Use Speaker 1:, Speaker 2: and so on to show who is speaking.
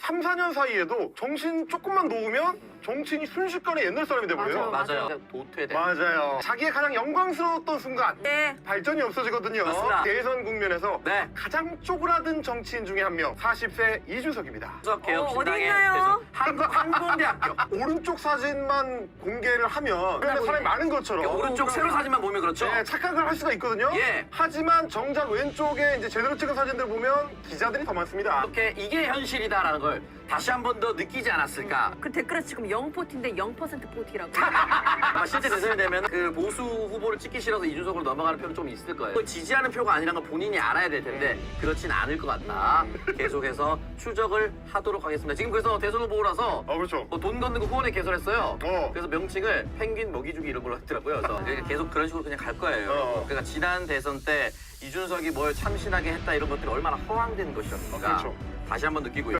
Speaker 1: 3, 4년 사이에도 정신 조금만 놓으면 정치인이 순식간에 옛날 사람이 돼버려요.
Speaker 2: 맞아요. 도태돼.
Speaker 1: 맞아요. 자기의 가장 영광스러웠던 순간
Speaker 3: 네.
Speaker 1: 발전이 없어지거든요.
Speaker 2: 맞습니다.
Speaker 1: 대선 국면에서
Speaker 2: 네.
Speaker 1: 가장 쪼그라든 정치인 중에 한 명, 40세 이준석입니다.
Speaker 2: 수석 개혁
Speaker 3: 어디
Speaker 2: 신당의
Speaker 3: 있나요?
Speaker 2: 대선 한국대학교.
Speaker 1: 오른쪽 사진만 공개를 하면 그냥 사람이 많은 것처럼
Speaker 2: 오른쪽 세로 사진만 보면 그렇죠.
Speaker 1: 네, 착각을 할 수가 있거든요.
Speaker 2: 예.
Speaker 1: 하지만 정작 왼쪽에 이제 제대로 찍은 사진들 보면 기자들이 더 많습니다.
Speaker 2: 이렇게 이게 현실이다라는 걸 다시 한 번 더 느끼지 않았을까.
Speaker 3: 그 댓글에 지금 0포티인데 0% 포티라고.
Speaker 2: 아마 실제 대선이 되면 그 보수 후보를 찍기 싫어서 이준석으로 넘어가는 표는 좀 있을 거예요. 그걸 지지하는 표가 아니라는 걸 본인이 알아야 될 텐데 그렇진 않을 것 같다. 계속해서 추적을 하도록 하겠습니다. 지금 그래서 대선 후보라서
Speaker 1: 그렇죠.
Speaker 2: 돈 걷는 거 후원회 개설했어요.
Speaker 1: 어.
Speaker 2: 그래서 명칭을 펭귄 먹이주기 이런 걸로 했더라고요. 그래서 계속 그런 식으로 그냥 갈 거예요. 그러니까 지난 대선 때 이준석이 뭘 참신하게 했다 이런 것들이 얼마나 허황된 것이었는가
Speaker 1: 그렇죠.
Speaker 2: 다시 한번 느끼고 있고.